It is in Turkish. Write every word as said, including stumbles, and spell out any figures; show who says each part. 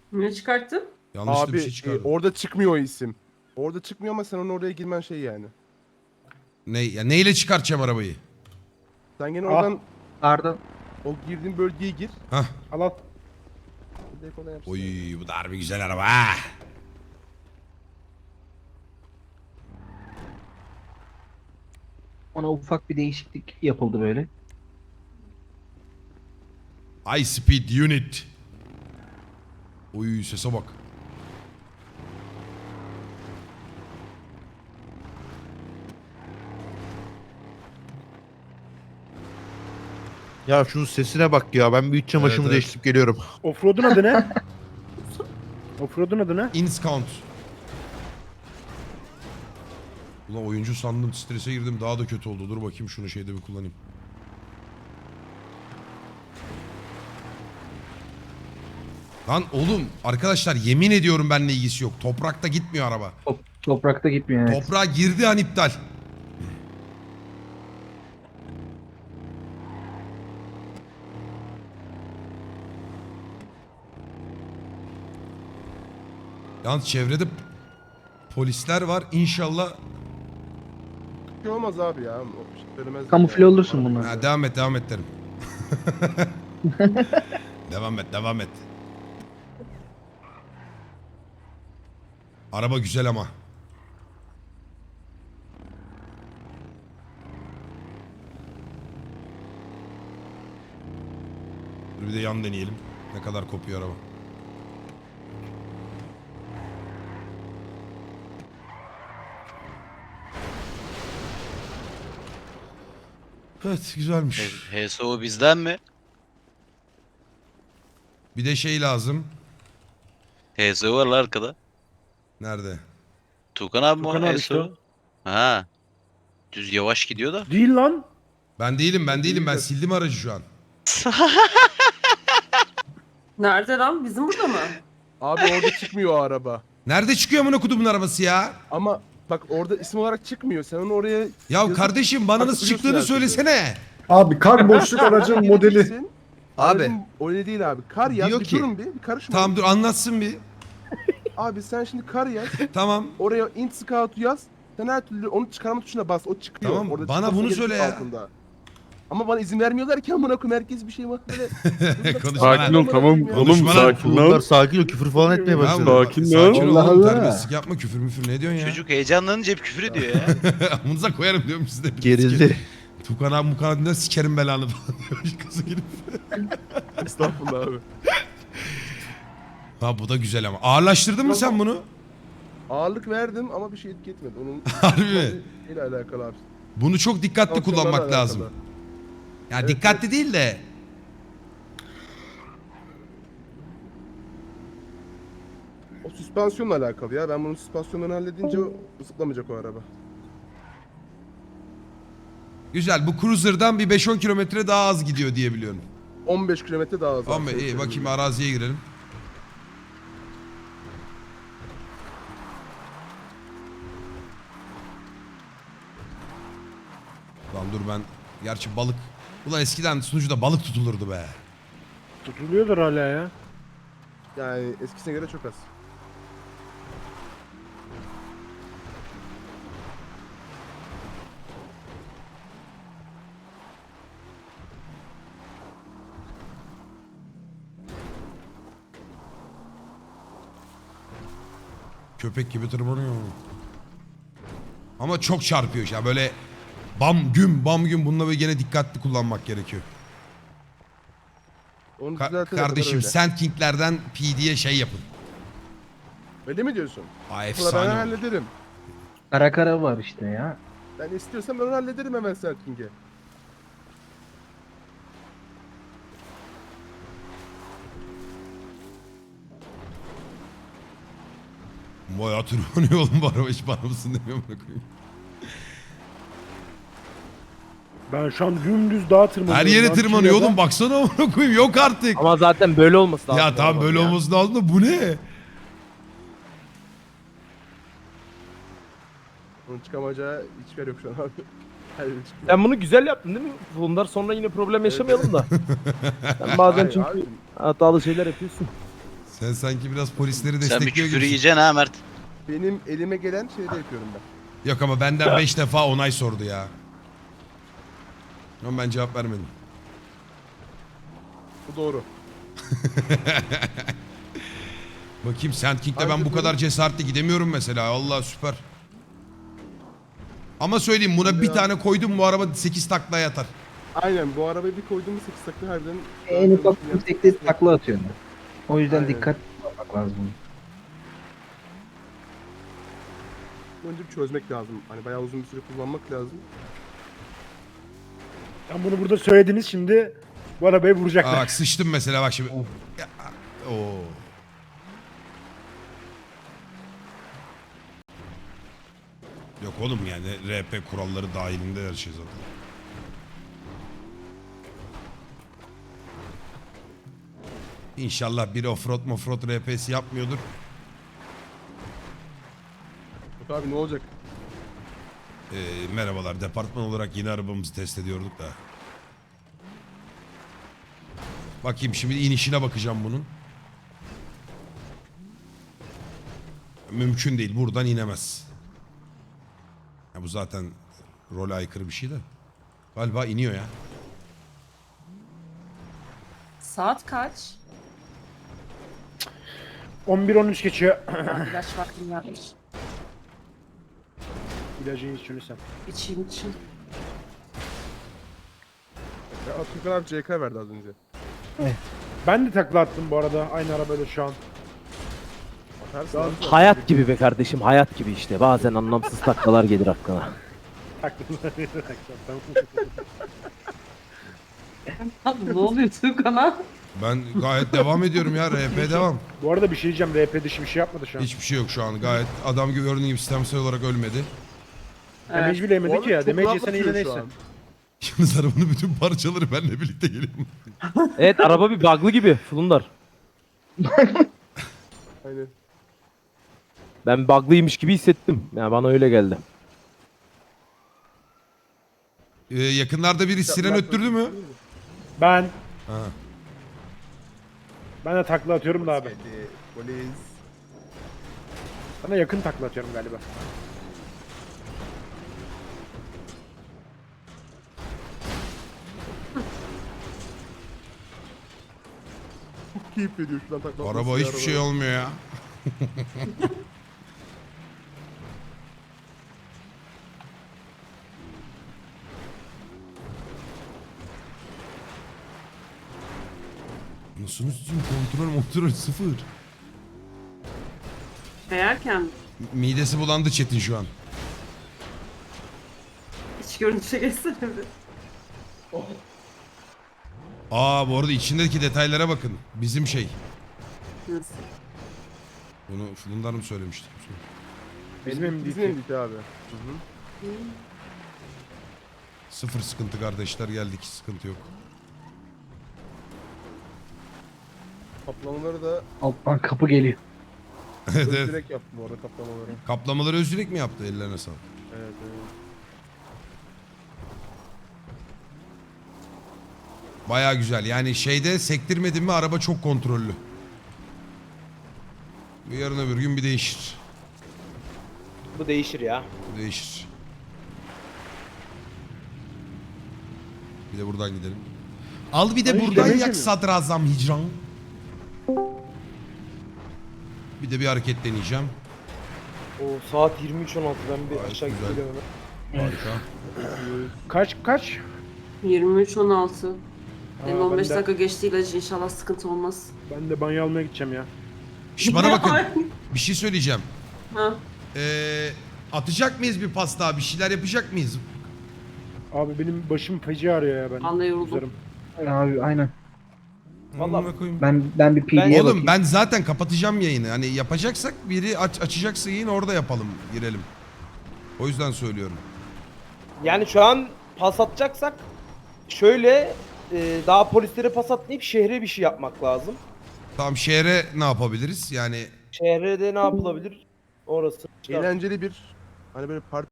Speaker 1: Ne çıkarttın?
Speaker 2: Yanlışlıkla
Speaker 3: Abi
Speaker 2: bir şey
Speaker 3: e,
Speaker 2: çıkardım.
Speaker 3: orada çıkmıyor o isim. Orada çıkmıyor ama sen onun oraya girmen şey yani.
Speaker 2: Ne, ya neyle çıkartacağım arabayı?
Speaker 3: Sen gene
Speaker 4: Ah.
Speaker 3: oradan
Speaker 5: Pardon.
Speaker 3: o girdiğin bölgeye gir.
Speaker 2: Hah.
Speaker 4: Al al.
Speaker 3: Direkt ona yapsın.
Speaker 2: Oy bu da harbi güzel araba ha.
Speaker 5: Ona ufak bir değişiklik yapıldı böyle.
Speaker 2: High speed unit. Oy sese bak.
Speaker 6: Ya şunun sesine bak ya. Ben bir iç çamaşırımı
Speaker 2: Evet, evet.
Speaker 6: değiştirip geliyorum.
Speaker 4: Offroad'un adı ne? Offroad'un adı ne?
Speaker 2: Inscount. Ulan oyuncu sandım, strese girdim, daha da kötü oldu. Dur bakayım şunu şeyde bir kullanayım. Lan oğlum arkadaşlar yemin ediyorum benimle ilgisi yok. Toprakta gitmiyor araba.
Speaker 5: Top, toprakta gitmiyor evet.
Speaker 2: Toprağa girdi an iptal. Yalnız çevrede polisler var. İnşallah.
Speaker 3: Bir şey olmaz abi ya. O şey söylemez
Speaker 5: Kamufle
Speaker 3: yani.
Speaker 5: olursun bunlar.
Speaker 2: Ha, devam et devam et derim. Devam et devam et. Araba güzel ama. Dur bir de yan deneyelim. Ne kadar kopuyor araba. Evet güzelmiş.
Speaker 7: H S O bizden mi?
Speaker 2: Bir de şey lazım.
Speaker 7: H S O var lan arkada.
Speaker 2: Nerede?
Speaker 7: Tukan abi mi
Speaker 4: Tukan
Speaker 7: o
Speaker 4: abi
Speaker 7: H S
Speaker 4: işte
Speaker 7: O?
Speaker 4: o.
Speaker 7: Ha. Düz yavaş gidiyor da.
Speaker 4: Değil lan.
Speaker 2: Ben değilim ben değilim ben sildim aracı şu an.
Speaker 1: Nerede lan? Bizim burada mı?
Speaker 3: Abi orada çıkmıyor o araba.
Speaker 2: Nerede çıkıyor amına kodumun arabası ya?
Speaker 3: Ama bak orada isim olarak çıkmıyor. Sen onu oraya
Speaker 2: Ya
Speaker 3: yazıp
Speaker 2: kardeşim bana nasıl
Speaker 3: atabiliyorsun
Speaker 2: çıktığını
Speaker 3: her türlü.
Speaker 2: söylesene.
Speaker 4: Abi kar boşluk aracın modeli.
Speaker 3: gireceksin.
Speaker 2: Abi.
Speaker 3: Aracın öyle değil abi. Kar yaz.
Speaker 2: Diyor
Speaker 3: Bir
Speaker 2: ki-
Speaker 3: durun bir. Bir karışma.
Speaker 2: Tamam dur anlatsın bir.
Speaker 3: Abi sen şimdi kar yaz.
Speaker 2: Tamam.
Speaker 3: Oraya int scout yaz. Sen her türlü onu çıkarma tuşuna bas. O çıkıyor.
Speaker 2: Tamam,
Speaker 3: Orada
Speaker 2: bana
Speaker 3: çıkması
Speaker 2: bunu
Speaker 3: gerekiyor
Speaker 2: söyle ya.
Speaker 3: altında. Ama bana izin vermiyorlar ki amına koyayım herkes bir şey var böyle.
Speaker 2: Konuşma
Speaker 8: Sakin
Speaker 2: lan.
Speaker 8: ol tamam.
Speaker 2: Konuşma
Speaker 8: Oğlum
Speaker 2: lan.
Speaker 8: sakin
Speaker 6: Bunlar
Speaker 8: ol.
Speaker 6: sakin ol. Küfür falan etmeye
Speaker 2: Tamam,
Speaker 6: başladı.
Speaker 8: Sakin ol.
Speaker 2: Sakin ol
Speaker 4: Allah
Speaker 2: oğlum
Speaker 4: Allah.
Speaker 2: terbiyesizlik yapma küfür müfür ne diyorsun ya?
Speaker 7: Çocuk heyecanlanınca hep küfür ediyor ya.
Speaker 2: Amınıza koyarım diyorum size.
Speaker 6: Gerildi.
Speaker 2: Tukan abi Mukan abi sikerim belanı falan diyor. Kızı gelip.
Speaker 3: Estağfurullah abi.
Speaker 2: Ha bu da güzel ama. Ağırlaştırdın mı sen bunu?
Speaker 3: Ağırlık verdim ama bir şey etki etmedi. Onun
Speaker 2: Harbi mi?
Speaker 3: ile alakalı abi.
Speaker 2: Bunu çok dikkatli
Speaker 3: Tansiyonlarla
Speaker 2: kullanmak
Speaker 3: alakalı.
Speaker 2: lazım. Ya
Speaker 3: Evet,
Speaker 2: dikkatli değil de.
Speaker 3: O süspansiyonla alakalı ya. Ben bunun süspansiyonunu halledince o zıplamayacak o araba.
Speaker 2: Güzel bu Cruiser'dan bir beş on kilometre daha az gidiyor diye biliyorum.
Speaker 3: on beş kilometre daha az.
Speaker 2: Tamam iyi bakayım araziye girelim. Lan dur ben gerçi balık. Ulan eskiden sunucuda balık tutulurdu be.
Speaker 4: Tutuluyordur hala ya.
Speaker 3: Yani eskisine göre çok az.
Speaker 2: Köpek gibi tırmanıyor. Ama çok çarpıyor ya böyle bam güm bam güm bununla böyle gene dikkatli kullanmak gerekiyor.
Speaker 3: Onu
Speaker 2: Ka-
Speaker 3: düzeltene
Speaker 2: kardeşim
Speaker 3: kadar öyle.
Speaker 2: Sand King'lerden P D'ye şey yapın.
Speaker 3: Öyle mi diyorsun?
Speaker 2: Aa
Speaker 3: Ulan ben
Speaker 2: efsane.
Speaker 3: hallederim.
Speaker 5: Kara kara var işte ya.
Speaker 3: Ben istiyorsam ben onu hallederim hemen Serking'e.
Speaker 2: Bayağı tırmanıyor oğlum bu araba hiç bana mısın demiyor bana koyayım.
Speaker 4: Ben şu an dümdüz dağa tırmanıyorum.
Speaker 2: Her yere
Speaker 4: lan,
Speaker 2: tırmanıyor
Speaker 4: Çiğdem'den.
Speaker 2: oğlum baksana amına koyayım yok artık.
Speaker 8: Ama zaten böyle olması lazım.
Speaker 2: Ya tamam böyle
Speaker 8: ya.
Speaker 2: olması lazım da bu ne?
Speaker 3: Onun çıkamayacağı hiçbir yer yok şu an abi. Her yere çıkıyor.
Speaker 8: Sen bunu güzel yaptın değil mi? Bunlar sonra yine problem yaşamayalım da. Sen bazen
Speaker 3: Hayır
Speaker 8: çünkü
Speaker 3: abi,
Speaker 8: hatalı şeyler yapıyorsun.
Speaker 2: Sen sanki biraz polisleri
Speaker 7: Sen bir
Speaker 2: destekliyor
Speaker 7: küfür
Speaker 2: gibisin.
Speaker 7: yiyeceksin ha Mert.
Speaker 3: Benim elime gelen şeyde yapıyorum ben.
Speaker 2: Yok ama benden beş defa onay sordu ya. Ama ben cevap vermedim.
Speaker 3: Bu doğru.
Speaker 2: Bakayım Sand King'de
Speaker 3: Hadi
Speaker 2: ben bu
Speaker 3: buyurun.
Speaker 2: kadar cesaretli gidemiyorum mesela. Allah süper. Ama söyleyeyim buna
Speaker 3: Hadi
Speaker 2: bir
Speaker 3: ya.
Speaker 2: tane koydum bu araba sekiz taklaya atar.
Speaker 3: Aynen bu arabayı bir koyduğumuz sekiz takla harbiden...
Speaker 5: En ufak bir tekte takla atıyor. O yüzden
Speaker 3: Aynen.
Speaker 5: dikkat olmak lazım.
Speaker 3: Önce bir çözmek lazım. Hani bayağı uzun bir süre kullanmak lazım.
Speaker 4: Tam bunu burada söylediniz, şimdi bu arabayı
Speaker 2: Aa,
Speaker 4: vuracaklar.
Speaker 2: bak sıçtım mesela bak şimdi. Ya, oo. Yok oğlum yani R P kuralları dahilinde her şey zaten. İnşallah biri offroad mofroad R P'si yapmıyordur.
Speaker 3: Yok abi ne olacak?
Speaker 2: Ee, merhabalar departman olarak yeni arabamızı test ediyorduk da. Bakayım şimdi inişine bakacağım bunun. Mümkün değil buradan inemez. Ya bu zaten role aykırı bir şey de. Galiba iniyor ya.
Speaker 1: Saat kaç?
Speaker 4: on bir on üç geçiyor.
Speaker 1: Ben ilaç vaktim gelmiş.
Speaker 4: İlacını iç şunu sen.
Speaker 1: İçeyim için.
Speaker 3: Ya Tukan abi C K verdi az önce.
Speaker 4: Ben de takla attım bu arada aynı arabayla şu an.
Speaker 3: Bakarsın abi.
Speaker 8: Hayat gibi be kardeşim, hayat gibi işte. Bazen anlamsız taklalar gelir aklına.
Speaker 4: Taklalar.
Speaker 1: Abi ne oluyor Tuğkan'a?
Speaker 2: Ben gayet devam ediyorum ya R P devam.
Speaker 4: Bu arada bir şey diyeceğim, R P dışı bir şey yapmadı şu an.
Speaker 2: Hiçbir şey yok şu an gayet adam gibi gördüğün gibi sistemsel olarak ölmedi.
Speaker 4: Damage
Speaker 1: Evet.
Speaker 4: bile yemedi ki ya.
Speaker 3: Çok
Speaker 4: Damage
Speaker 3: rahat
Speaker 4: yesene yine
Speaker 3: atıyor şu
Speaker 4: neyse.
Speaker 3: an.
Speaker 2: Yalnız arabanın bütün parçaları benimle birlikte geliyor.
Speaker 8: Evet, araba bir bug'lı gibi Fulundar.
Speaker 3: Aynen.
Speaker 8: Ben bug'lıymış gibi hissettim. Yani bana öyle geldi.
Speaker 2: Ee, yakınlarda biri siren öttürdü mü?
Speaker 4: Ben
Speaker 2: Ha.
Speaker 4: ben de takla atıyorum da abi.
Speaker 3: Hadi polis.
Speaker 4: Sana yakın takla atıyorum galiba.
Speaker 3: Keyif veriyor şuradan takla.
Speaker 2: Araba hiçbir şey olmuyor ya. Nasıl üstüm kontrol kontrol sıfır.
Speaker 1: Kayarken
Speaker 2: Midesi bulandı Çetin şu an.
Speaker 1: iç görünüşe geçsene bir.
Speaker 2: Aa bu arada içindeki detaylara bakın. Bizim şey.
Speaker 1: Nasıl?
Speaker 2: Bunu Fulundar mı söylemişti?
Speaker 4: Bizim M D
Speaker 3: Bizim
Speaker 4: T.
Speaker 3: M D T abi. Hı hı.
Speaker 2: Sıfır sıkıntı kardeşler geldik sıkıntı yok.
Speaker 3: Kaplamaları da
Speaker 5: Alttan kapı geliyor.
Speaker 2: Evet, evet.
Speaker 3: direkt yaptım orada kaplamaları.
Speaker 2: Kaplamaları Özdirek mi yaptı ellerine sağlık.
Speaker 3: Evet evet.
Speaker 2: Baya güzel yani şeyde sektirmedin mi araba çok kontrollü. Bu yarın öbür gün bir değişir.
Speaker 8: Bu değişir ya.
Speaker 2: Bu değişir. Bir de buradan gidelim. Al bir de
Speaker 4: Ay,
Speaker 2: buradan
Speaker 4: demeyeceğim
Speaker 2: yak
Speaker 4: ya.
Speaker 2: sadrazam hicran. Bir de bir hareket deneyeceğim.
Speaker 8: O saat yirmi üç on altı, ben bir
Speaker 2: Gayet
Speaker 8: aşağı
Speaker 2: güzel.
Speaker 8: gidiyorum.
Speaker 2: Harika.
Speaker 4: Kaç kaç?
Speaker 1: yirmi üç on altı. Benim
Speaker 4: Aa,
Speaker 1: on beş
Speaker 4: ben de-
Speaker 1: dakika geçti ilacı, inşallah sıkıntı olmaz.
Speaker 4: Ben de banyo almaya gideceğim ya.
Speaker 2: Şş, bana bakın. Bir şey söyleyeceğim.
Speaker 1: Ha.
Speaker 2: Ee, atacak mıyız bir pas daha? Bir şeyler yapacak mıyız?
Speaker 4: Abi benim başım feci ağrıyor ya ben.
Speaker 1: Ben de yoruldum.
Speaker 4: Üzarım.
Speaker 5: Abi aynen.
Speaker 8: Vallahi
Speaker 2: Amına koyayım.
Speaker 5: Ben ben bir P D'ye
Speaker 8: Ben-
Speaker 2: Oğlum
Speaker 5: bakayım.
Speaker 2: ben zaten kapatacağım yayını. Hani yapacaksak biri aç, açacaksa yayın orada yapalım, girelim. O yüzden söylüyorum.
Speaker 8: Yani şu an pas atacaksak şöyle e, daha polislere pas atmayıp şehre bir şey yapmak lazım.
Speaker 2: Tamam şehre ne yapabiliriz? Yani
Speaker 8: Şehre de ne yapılabilir? Orası.
Speaker 3: Eğlenceli bir hani böyle parti